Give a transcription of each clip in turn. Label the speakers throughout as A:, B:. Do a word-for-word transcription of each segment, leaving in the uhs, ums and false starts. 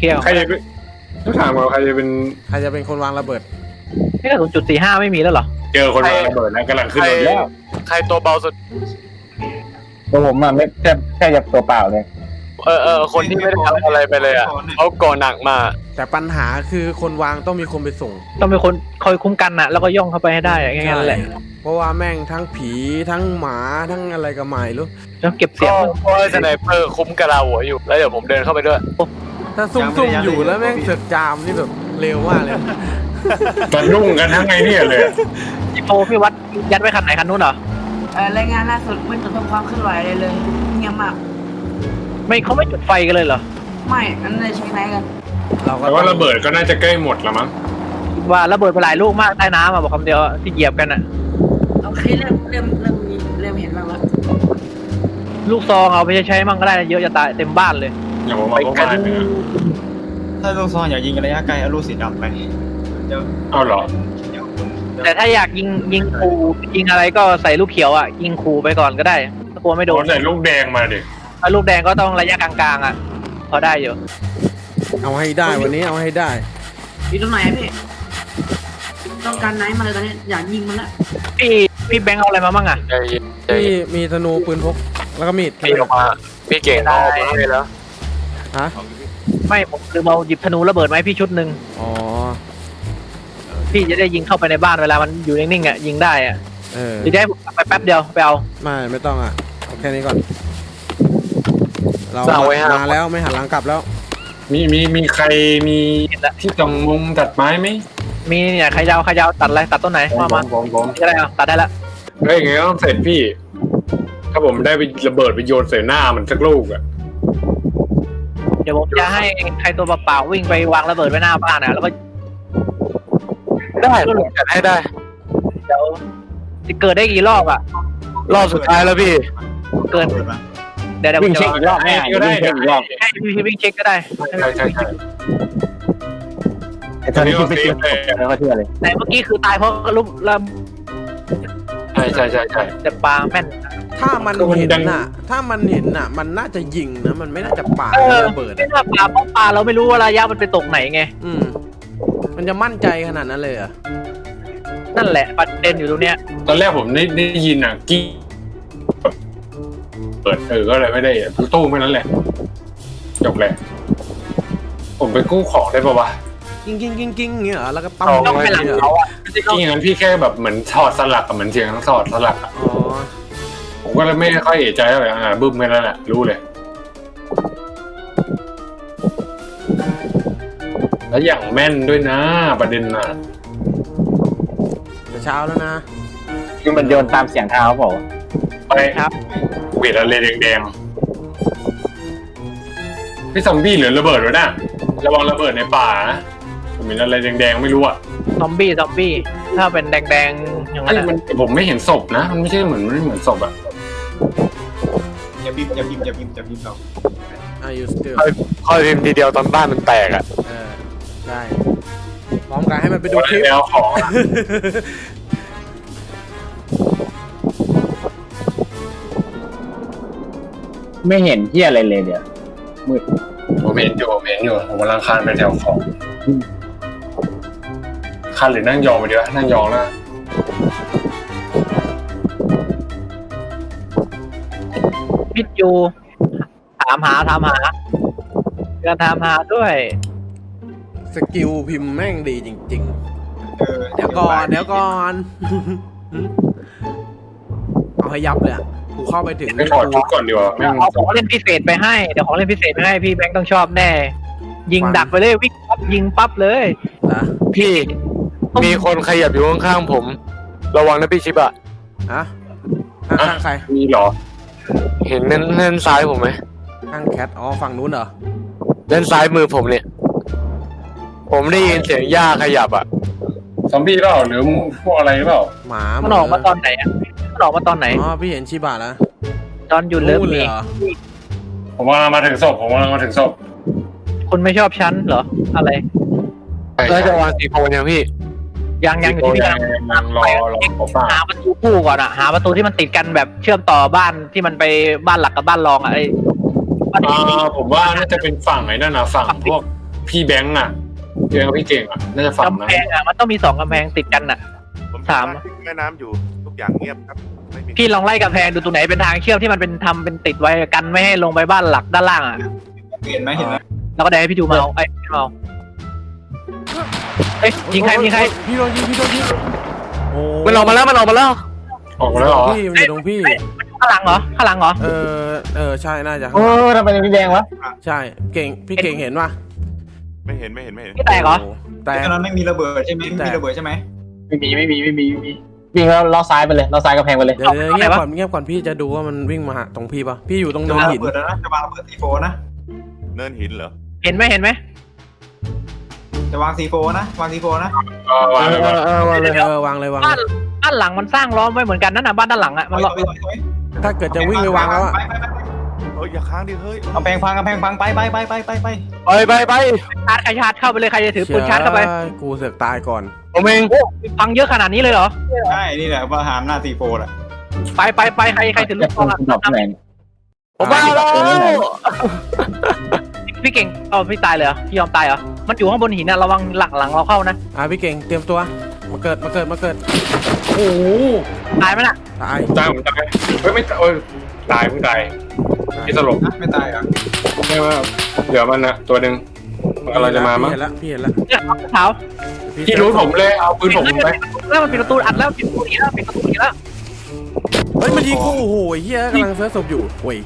A: ลียร์
B: ใครจะเป็นต้องถามว่าใครจะเป็น
C: ใครจะเป็นคนวางระเบิด
A: นี่กระสุนจุดสี่ห้าไม่มีแล้วเหรอ
B: เจอคนวางระเบิดแล้วกำลังขึ้นรถแล้ว
D: ใครตัวเบาสุด
E: ตัวผมอะไม่แค่แค่จะตัวเปล่าเลย
D: เออเออคนที่ไม่ได้ทำอะไรไปเลยอ่ะเขาก่อหนักมา
C: แต่ปัญหาคือคนวางต้องมีคนไปส่ง
A: ต้องมีคนคอยคุ้มกันน่ะแล้วก็ย่องเข้าไปให้ได้ง่ายๆนั่นแหละ
C: เพราะว่าแม่งทั้งผีทั้งหมาทั้งอะไรก็ไม่รู้
A: ต้องเก็บเสีย
D: ก็
A: ง
D: เพราะว่าสไนเปอร์คุ้มกระลาหัวอยู่แล้วเดี๋ยวผมเดินเข้าไปด้วย
C: ถ้าซุ่มๆอยู่แล้วแม่งเสือกจามนี่แบบเร็วมากเลย
B: ตอนรุ่งกันทั้งไงเนี่ยเลย
A: โอ้พี่วัดยัดไว้คันไหนคันนู้นเหรอ
F: เอ่อรายงานล่าสุดไม่ตรวจพบความเคลื่อนไหวอะไรเลยเงียบมาก
A: ไม่เขาไม่จุดไฟกันเลยเหรอ
F: ไม่อันนั้นเลยใช้ไหนกัน
C: เราก็
B: แต่ว่าระเบิดก็น่าจะใกล้หมดแล้วมั้ง
A: ว่าระเบิดไปหลายลูกมากใต้น้ำอ่ะบอกคำเดียวที่เหยียบกันอ่ะ
F: โอเคเริ่มเริ่มเริ่มมีเริ่มเห็นบ้างแล้ว
A: ลูกซองเอาไปใช้มั่งก็ได้นะเยอะจะตายเต็มบ้านเลย
B: อย่างผมมาพวกบ้านเลยนะ
G: ถ้าลูกซองอย่ายิงกันระยะไกลเอาลูกสีดำไปเดี๋ยว
B: เอาเหรอ
G: เดี๋ยวคุณเดี๋ยว
A: แต่ถ้าอยากยิงยิงคูยิงอะไรก็ใส่ลูกเขียวอ่ะยิงคูไปก่อนก็ได้ถ้ากลัวไม่โด
B: โด
A: น
B: นใส่ลูกแดงมาดิ
A: ถ้าลูกแดงก็ต้องระยะกลางๆอ่ะพอได้อยู่
C: เอาให้ได้วันนี้เอาให้ได้
F: อยู่ตรงไหนอะพี่ต้องการไหนมาเลยตอนนี้อยากยิงมันละ
A: พี่พี่แบงค์เอาอะไรมามั่งอ่ะ
D: ใจเย็นใจ
C: พี่
D: เย็น
C: มีธนูปืนพกแล้วก็มีด
D: พี่ออกมาพี่เก่งเอาออกมาให้แล้ว
C: ฮะ
A: ไม่ผมคือเอาหยิบธนูระเบิดมาให้พี่ชุดหนึ่ง
C: อ๋อ
A: พี่จะได้ยิงเข้าไปในบ้านเวลามันอยู่นิ่งๆอ่ะยิงได้อ่ะ
C: เออ
A: หรือจะให้ผมไปแป๊บเดียวไปเอา
C: ไม่ไม่ต้องอ่ะเอาแค่นี้ก่อนเรา
D: สั่งไว้ห้า
C: มาแล้วไม่หันหลังกลับแล้ว
B: มีมีมีใครมีที่ตรงมุมตัดไม้ไหม
A: มีเนี่ยใครยาวใครยาวตัดอะไรตัดต้นไหน
B: ผม
A: มา
B: ผ
A: มาม
B: ผมผม
A: ก็ได้เอาตัดได้ละ
B: เฮ้ยไงก็ต้องเสร็จพี่ ถ้าผมได้ไประเบิดไปโยนใส่หน้ามันสักลูกอะ
A: เดี๋ยวผมจะให้ใครตัวเปล่าๆวิ่งไปวางระเบิดไว้หน้าบ้านนะแล้วก็
D: ได้ผมจัดให้ได้
A: เดี๋ยวจะเกิดได้กี่รอบอ่ะ
D: รอบสุดท้ายแล้วพี่
A: เกิน
G: เปิดมา
A: เดี๋ยวเดี๋ยวผ
E: วิ่
A: ม
E: ง
A: จะ
E: เช็คอีกรอบแม่
B: ก็ได้
E: วิ่งเช็คอีกรอบ
A: ให้พี่วิ่งเช็คก็ได้
B: ใช่ใช่ใช่
E: ไอ้ตอนนี้ที่ไปเช็คแล้วก็เชื่อเลย
A: แต่เมื่อกี้คือตายเพราะลูกระ
B: ใช่ใช่ใช่ใช่
A: แต่ปลาแม่น
C: ถ้ามัน
B: ก็มัน
C: เห็น
B: ดัง
C: น่ะ ถ้ามันเห็นน่ะ มันน่าจะยิงนะมันไม่น่าจะปา
A: เออ
C: ระเบิด
A: ไม่
C: อะ
A: น่าปลาเพราะปลาเราไม่รู้ว่าระยะมันไปตกไหนไง
C: อืมมันจะมั่นใจขนาดนั้นเลยเหรอ่ะ
A: นั่นแหละประเด็นอยู่ตรงเนี้ย
B: ตอนแรกผมได้ได้ยินอ่ะกี้เปิดเออก็เลยไม่ได้ตู้ไม่นั้นแหละจบแหละผมไปกู้ของได้ปะวะ
C: กิ้งกิ้งกิ้งกิ้งเงี้ยเหรอแล้วก็ปั๊ม
A: ต้องไปหลัง
C: เนี่ย
A: เขาอ่ะ
B: ที่อย่างนั้นพี่แค่แบบเหมือนถอดสลักกับเหมือนเสียงถอดสลักอะ
C: อ๋อ
B: ผมก็เลยไม่ค่อยเอะใจเท่าไหร่อ่าบึ้มแค่นั้นแหละรู้เลย แล้วอย่างแม่นด้วยนะประเด็นน่ะ
C: จะเช้าแล้วนะ
E: คือมันโยนตามเสียงเท้าเปล่า
B: ไป
A: ครับ
B: เวทอะไรแดงๆพี่ซอมบี้เหลือระเบิดไว้นะระวังระเบิดในป่านะผมเห็นอะไรแดงๆไม่รู้อ่ะ
A: ซอมบี้ซอมบี้ถ้าเป็นแดงๆอย่างนั้น
B: ไอ้
A: อะ
B: มันผมไม่เห็นศพนะ มันไม่ใช่เหมือนมันไม่เหมือนศพอ่ะ
G: อย่าพิมพ์อย่าพิมพ์อย่าพิมพ์อย่าพิมพ์เรา
C: อายุสเตอร์
D: คอยพิมพ์ทีเดียวตอนบ้านมันแตกอ่ะ
C: เออได้พร้อมกันให้มันไปดู
B: วัน
C: คลิป
B: แล้วของอะ
E: ไม่เห็นเที่ยอะไรเลยเดี๋ยวมืด
B: ผมเห็นอยู่ผมเห็นอยู่ผมกำลังคานไปแถวของคานหรือนั่งยองไปดีวะนั่งยองแล้ว
A: พิดยูถามหาถามหาเการถามหาด้วย
C: สกิลพิมพ์แม่งดีจริง
G: เออ
C: ๆ เดี๋ยวก่อนเดี๋ยวก่อน เอาให้ยับเลยอะกูเข้าไปถึง
B: ไม่ถอดชุดก่อนดีกว่าไม่
A: เอาของเล่นพิเศษไปให้เดี๋ยวของเล่นพิเศษไปให้พี่แบงค์ต้องชอบแน่ ยิงดักไปเลยวิ่งปั๊บยิงปั๊บเลย
C: นะ
D: พี่มีคนขยับอยู่ข้างๆผม ระวังนะพี่ชิบะ
C: ฮะข้างๆใคร
B: มีเหรอ
D: เห็นเน้นเน้นซ้ายผมไหม
C: ข้างแคทอ๋อฝั่งนู้นเหรอ
D: เน้นซ้ายมือผมเนี่ย ผมได้ยินเสียงหญ้าขยับอ่ะ
B: ซอมบี้เปล่าหรือพวกอะไรเปล่า
C: หมา
A: มันออกมาตอนไหนอ่ะมันออกมาตอนไหน
C: อ๋อพี่เห็นชิบะแล้ว
A: ตอนอยู่เลิฟ
C: นู่นเล
A: มี
C: ยเหรอ
B: ผมกำลังมาถึงศพผมกำลังมาถึงศพ
A: คุณไม่ชอบฉันเหรออะไร
D: แล้วจะวางสีโคนยังพี่
A: ยังยังอยู่ที่พี่
B: ยั
A: กำลัง
B: งยังรอรอผมป่า
A: หาประตูคู่ก่อนอะหาประตูที่มันติดกันแบบเชื่อมต่อบ้านที่มันไปบ้านหลักกับบ้านรองอะไอ้บ้าน
B: อ่าผมว่าน่าจะเป็นฝั่งไหนนั่นนะฝั่งพวกพี่แบงค์อ่ะพี่แบงค์กับพี่เก่งอ่ะน่าจะฝั่ง
A: กำ
B: นะ
A: แพงอ่ะมันต้องมีสองกำแพงติดกันอ่ะ
H: ผม
A: สาม
H: แม่น้ำอยู่ทุกอย่างเงียบครับไม่มี
A: พี่ลองไล่กำแพงดูตรงไหนเป็นทางเชื่อมที่มันเป็นทำเป็นติดไว้กันไม่ให้ลงไปบ้านหลักด้านล่างอ่ะ
G: เห็นไหมเห็นไหม
A: แล้วก็ได้ให้พี่ดูเมาไอ้พี่เมาเอ้ยยิงใครยิงใคร
C: พี่โดนยิงพี่โดนยิงโอ้
D: มันออกมาแล้วมันออกมาแล้ว
B: ออกมาแล้วเหรอ
C: พี่มันอยู่ตรงพี่
A: ข้างหลังเหรอข้างหลังเหรอ
C: เออเออใช่น่าจะ
E: โอ้ทำไมเป็นพี่แดงวะ
C: ใช่เก่งพี่เก่งเห็นป่ะ
H: ไม่เห็นไม่เห็นไม่เห็น
A: พี่แตกเหรอ
C: โแต่
G: ตอนนั้นไม่มีระเบิดใช่ไหมไม่มีระเบิดใช่ไหม
E: ไม่มีไม่มีไม่มีไม่มีวิ่งแล้วล้อซ้ายไปเลยล้อซ้ายกระแพงไปเลย
C: เดี๋ยวเดี๋ยวเงียบก่อนเงียบก่อนพี่จะดูว่ามันวิ่งมาหาตรงพี่ป่ะพี่อยู่ตรง
G: จะ
C: เนิน
G: วาง
C: หิ
G: ระ
C: น
G: เบิดแล้วนะจะวางระเบิดซีโฟนะ
H: เนินหินเหรอ
A: เห็นไหมเห็นไหม
G: จะวางซีโฟนะวางซีโฟนะ
B: เออวางเลย
D: เอ
B: วาง
D: อเออวางเลย
C: เออวางเลยวาง
A: บ้าน
C: เลย
A: บ้านหลังมันสร้างล้อมไว้เหมือนกันนั่นน่ะบ้านด้านหลังอ่ะมันล้อม
C: ถ้าเกิดจะวิ่งไปวางแล้วอะ
G: ไปไปไป
H: เฮ้ยอย่าค้างดิเฮ้ย
G: เอาแพงพังกำแพงพังไปไปไปไปไปไป
D: ไปไปไป
A: ชาร์จใครชาร์จเข้าไปเลยใครจะถือปืนชาร์จเข้าไป
C: ชี่ยกูเสือกตายก่อน
D: ผมเอง
A: พังเยอะขนาดนี้เลยเหรอ
G: ใช่นี่แหละประหารหน้าซีโฟแหละ
A: ไปไปไปใครใครถือลูกซองอ่ะ
E: ดอกที่ไหน
D: ผมมาแล้ว
A: พี่เก่งเอาพี่ตายเลยเหรอพี่ยอมตายเหรอมันอยู่ข้างบนหินนะระวังหลังหลังเราเข้านะ
C: อ่ะพี่เก่งเตรียมตัวมาเกิดมาเกิดมาเกิด
A: โอ้โหตายไหมล่ะ
C: ตาย
B: ตายผมตายเฮ้ยไม่เอ้ยตายเพิ่งตายพี่สลบ
G: นะไม่ตายเหรอ
B: ไม่ว่าเดี๋ยวมันนะตัวหนึ่งมันกำลังจะมามั้ง
C: พี่เห็นแล้วพี่เห็นแล้ว
A: เนี่ยเท้า
B: พี่รู้ผมเลยเอาปืนผมไป
A: แล้วมันปิดประตูอัดแล้วปิดประตูอีกแล้วปิดประตูอีกแล้ว
C: เฮ้ยมันยิงกูโอ้โหเฮียกำลังเซิร์ฟศพอยู่โอ้ย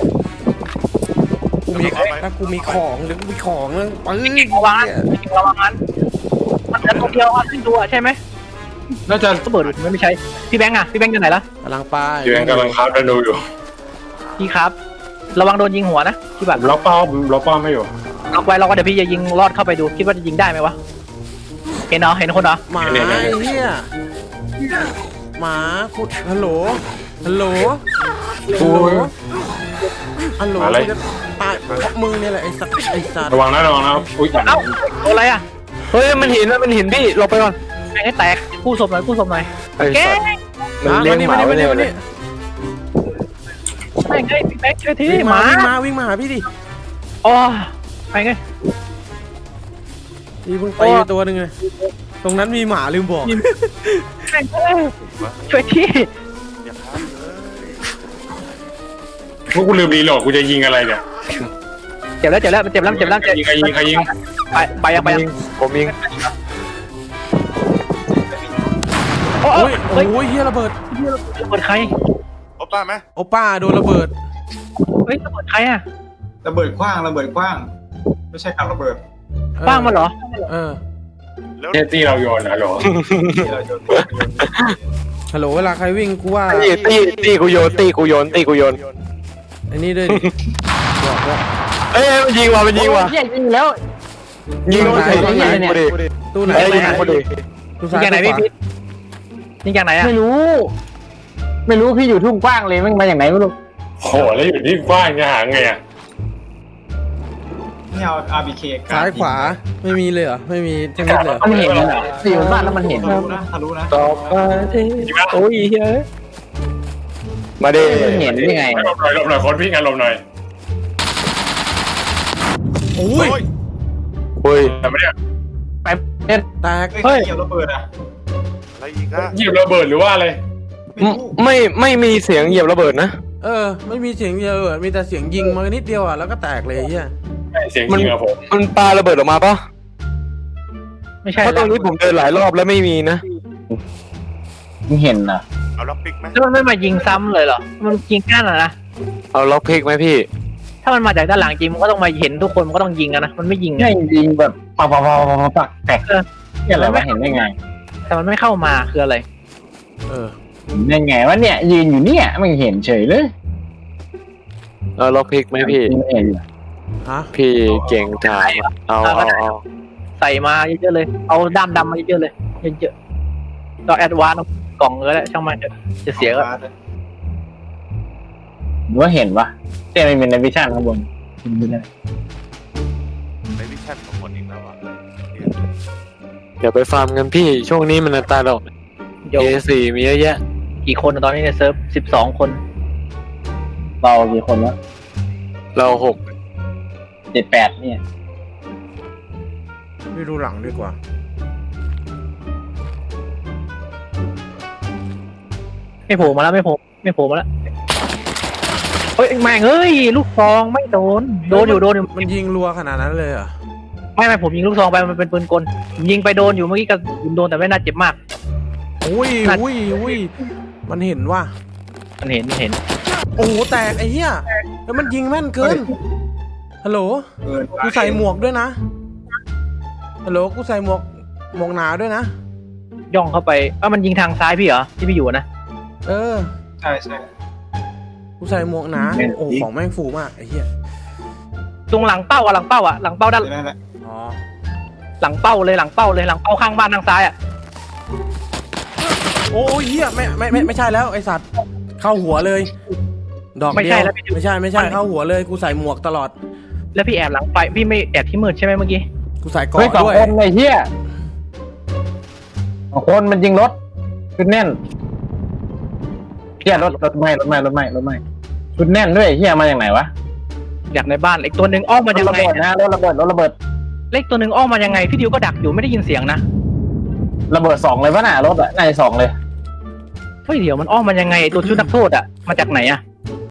C: กูมีถ้ากูมีของหรือกูมีของนะปืน
A: ระวังนะระวังมันมันจะตัวเดียวอ่ะขึ้นตัวใช่ไหม
B: น่าจะ
A: ระเบิดไม่ใช่พี่แบงค์อ่ะพี่แบงค์อยู่ไหนล่ะ
C: กำลังไป
B: อยู่ยังกำลังคาบดันดูอยู่
A: พี่ครับระวังโดนยิงหัวนะพี่บัตร
B: ผมล็อกเป้าผมล็อกเป้าไม่อยู่
A: ล็อกไว้ล็อกไว้เดี๋ยวพี่จะยิงลอดเข้าไปดูคิดว่าจะยิงได้ไหมวะเห็นเหรอเห็นคนเหรอ
C: หมาไอ้เฮียหมาขุดฮัลโหลฮัลโหลฮัลโหลฮัลโหลกูจะตายเพราะมึงเนี่ยแหละไอ้สัตว์ไอ้สัตว์
B: ระวังนะระวังนะอุ้ย
A: เอ้าโดนอะไรอ่ะ
D: เฮ้ยมันหินมันหินพี่หลบไปก่อน
A: แม่งให้แตกกู้ศพหน่อยกู้ศพหน่อย
D: ไอ้
A: แก
D: สัตว์มันเลี้ยงหมาไว้เนี่ย
C: มานี่
A: แม่งไงพี่แบงค์ช่วยที
C: วิ่ง
A: ห
C: มา
A: มา
C: วิ่งมาวิ่งมาหาพี่ดิ
A: อ๋อไปไง
C: พี่เพิ่งไปตัวหนึ่งเลยตรงนั้นมีหมาลืมบอก
A: แม่งเอ้ยช่วยที
H: อย่าค้างเลย
B: พวกกูลืมรีโหลดกูจะยิงอะไรเนี่ย
A: เจ็บแล้วเจ็บแล้วมันเจ็บแล้วมันเจ็บแล้ว
B: ใครยิงใครยิงใครยิง
A: ไปไปยังไปยัง
D: ผมยิง
A: โอ้
C: โอ้ย
A: เฮ้ย
C: โอ้ยเฮียระเบิด
A: ระเบิดใคร
H: โอป้าไหม
C: โอป้าโดนระเบิด
A: เฮ้ยระเบิดใครอ่ะ
G: ระเบิดขว้างระเบิดขว้าง ไม่ใช่การระเบิด
A: ป้างมันเหรอ
C: เออ
H: แล้ว
B: เนตี้เราโยนนะหรอ
G: ที่เราโยน
C: ฮัลโหลเวลาใครวิ่งกูว่า
D: ตีตีตีกูโยนตีกูโยนตีกูโยน
C: ไอ้นี่ด้วยดิบอกว่า
D: เอ้ยมันยิงว่ะมันยิงว่ะ
E: เฮียยิงแล้ว
D: ยิง
C: ไหน
D: กูยิงกูดิ
C: ตู้ไหน
D: เอ้ยยิงกูดิ
C: ตู้
A: ยิ
C: ซ้าง ย
A: จากไหน
C: ตู้
A: พี่
C: ขวา
A: พีทยิงจากไหนอ่ะ
E: ไม่รู้ ไม่รู้พี่อยู่ทุ่งกว้างเลยมันมาอย่างไหนไม่รู้
B: โหแล้วอยู่ที่กว้างจะหาไงอ่ะ
G: นี่เอา อาร์ บี เค
C: ซ้ายขวาไม่มีเลยเหรอไม่มีทั้งนิดเลยเหรอ
E: มันเห็นเหรออยู่บ้านแล้วมันเห็น
G: ทะลุนะทะลุนะ
D: ต่อไปโอ้ยเฮ้ยมาดิ
E: มันเห็นยังไง
B: หลบหน่อยหลบหน่อยคนพี่งานหลบหน่อย
C: โอ้ย
H: โอ้ย
D: เฮ้ย
B: แต่ไม่ได้
C: แตก
G: เฮ้ยเกี่ยวระเบิดอ่ะ
H: อะไรอีกอะ
B: หยิบระเบิดหรือว่าอะไร
G: ไม่รู้
D: ไม่ไม่มีเสียงเหยียบระเบิดนะ
C: เออไม่มีเสียงเดียวเลยมีแต่เสียงยิงมานิดเดียวอ่ะแล้วก็แตกเลยเฮีย
B: เสียงยิงอะผม
D: มันปาระเบิดออกมาปะ
A: ไม่ใช่
D: เพราะตรงนี้ผมเดินหลายรอบแล้วไม่มีนะ
E: มันเห็นนะ
H: เอาล็อกปิกไหม
A: แล้วมันไม่มายิงซ้ำเลยเหรอมันยิงแค่นั้นนะ
D: เอาล็อกพิกไหมพี่
A: ถ้ามันมาจากด้านหลังจริงมันก็ต้องมาเห็นทุกคนมันก็ต้องยิงกันนะมันไม่ยิง
E: ใช่
A: อะ
E: ยิงแบบปักปักปักปักปักแตกเนี่ยอะไรวะเห็นได้ไง
A: แต่มันไม่เข้ามาคืออะไร
C: เออ
E: เห็นได้ไงว่าเนี่ยยืนอยู่เนี่ยมันเห็นเฉยเลย
D: เอาล็อกพิกไหมพี่
E: ไม่เห็น
C: ฮะ
D: พี่เก่งถามเอาเอาเอา
A: ใส่มาเยอะๆเลยเอาด้ามดำมาเยอะๆเลยเยอะๆเราแอดวานซ์กล่องเลยแหละช่างมันเถอะจะเสียก็
E: หรือว่าเห็นวะเต้มันเป็นในวิชั่นข้างบนไม่ได้
H: ในวิชั่นของคนอีกแล้วอ่ะ
D: เดี๋ยวไปฟาร์มกันพี่ช่วงนี้มันอันตรายหรอก
A: เดี๋ยว
D: เอสี่มีเยอะแยะ
A: กี่คนอะตอนนี้ในเซิร์ฟสิบสองคน
E: เรากี่คนวะ
D: เราหก
E: เจ็ดแปดเนี่ย
C: พี่ดูหลังดีกว่า
A: ไม่โผล่มาแล้วไม่โผล่ไม่โผล่มาแล้วเฮ้ยแม่งเอ้ยลูกซองไม่โดนโดนอยู่โดนอยู่
C: มันยิงรัวขนาดนั้นเลยเหรอ่ะ
A: ไม่ไม่ผมยิงลูกซองไปมันเป็นปืนกลผมยิงไปโดนอยู่เมื่อกี้ก็โดนแต่ไม่น่าเจ็บมาก
C: อุ้ยอุ้ยอุ้ยมันเห็นว่า
A: มันเห็นเห็น
C: โอ้โหแตกไอ้เหี้ยแล้วมันยิงแม่นเกินฮัลโหล
G: เกิน
C: กูใส่หมวกด้วยนะฮัลโหลกูใส่หมวกหมวกหนาด้วยนะ
A: ย่องเข้าไปเอ้ามันยิงทางซ้ายพี่เหรอที่พี่อยู่นะ
C: เออ
G: ใช่ใช่
C: กูใส่หมวกหนาโอ้ของแม่งฟูมากไอ้เหี้ย
A: ตรงหลังเป้าอะหลังเป้าอะหลังเป้าด้าน
G: นั่นแหละ
C: อ๋อ
A: หลังเป้าเลยหลังเป้าเลยหลังเป้าข้างบ้านทางซ้ายอะ
C: โอ้ยเหี้ยไม่ไม่ไม่ไม่ใช่แล้วไอสัตว์เข้าหัวเลย ดอกเดียว
A: ไม่ใช่แล้วพี่
C: ไม่ใช่ไม่ใช่เข้าหัวเลยกูใส่หมวกตลอด
A: แล้วพี่แอบหลังไปพี่ไม่แอบที่มืดใช่ไหมเมื่อกี้
C: กูใส่เก
E: เฮ้ย
C: ราะ
E: สอง
C: ด้วย
E: คนไอ้เหี้ยสองคนมันยิงรถชุดแน่นเหี้ยรถรถไหม้รถไหม้รถไหม้รถไหม้ชุดแน่นด้วยไอ้เหี้ยมาจากไหนวะ
A: อยากในบ้านอีกตัวหนึ่งอ้อม
E: ร
A: มา
E: ถ
A: ยัง
E: ระ
A: ไง
E: เบิดนะรถระเบิดรถระเบิด
A: เล็กตัวหนึ่งอ้อมมายังไงพี่ดิวก็ดักอยู่ไม่ได้ยินเสียงนะ
E: ระเบิดสองเลยปะน่ะรถอะน่าจะสองเลย
A: เฮ้ยเดี๋ยวมันอ้อมมายังไงไอ้ตัวชุดนักโทษอะมาจากไหนอะ